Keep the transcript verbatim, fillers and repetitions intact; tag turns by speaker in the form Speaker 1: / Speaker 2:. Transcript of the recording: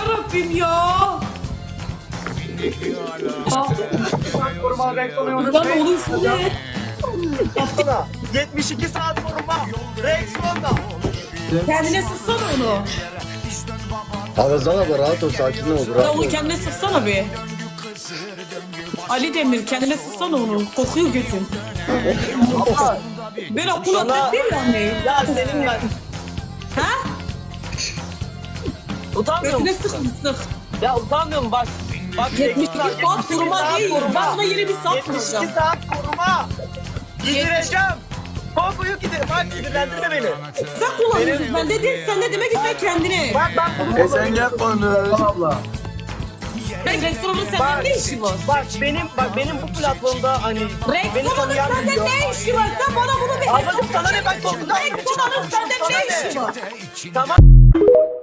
Speaker 1: yarabbim ya.
Speaker 2: Koruma Rex ona yolda.
Speaker 1: Lan oğlum ismi ne?
Speaker 2: Yapsana. yetmiş iki saat koruma. Rex onda.
Speaker 1: Kendine sıksana onu.
Speaker 3: Ağızdan abi rahat ol, sakin ol,
Speaker 1: Ya
Speaker 3: rahat
Speaker 1: onu
Speaker 3: ol.
Speaker 1: kendine sıksana bir. Ali Demir kendine sıksana onu. Kokuyor götün. Ben akıl atlet değil yani.
Speaker 2: Ya senin ben.
Speaker 1: Ha?
Speaker 2: Utanmıyor
Speaker 1: Götüne
Speaker 2: musun?
Speaker 1: sık sık.
Speaker 2: Ya utanmıyorum bak. Bak
Speaker 1: yetmiş iki
Speaker 2: Rex'ten
Speaker 1: saat koruma değil. Ben buna yeni bir saat
Speaker 2: yetmiş iki
Speaker 1: kuracağım.
Speaker 2: saat koruma. Gidireceğim. Kokuyu giderim. Bak sinirlendirme beni.
Speaker 1: Sen kullanıyorsun. Ben de değil. Sen de demek ki sen kendine.
Speaker 2: Bak ben bunu
Speaker 4: E sen yapma onu. Abla.
Speaker 1: Ben restoranın senden ne işi var?
Speaker 2: Bak benim bak benim bu platformda hani beni
Speaker 1: Restoranın
Speaker 2: tanıyan
Speaker 1: senden
Speaker 2: biliyor.
Speaker 1: ne işi var? Sen bana bunu bir
Speaker 2: Ablacım sana ne, ben kokudan
Speaker 1: Restoranın senden ne işi var?
Speaker 2: Tamam.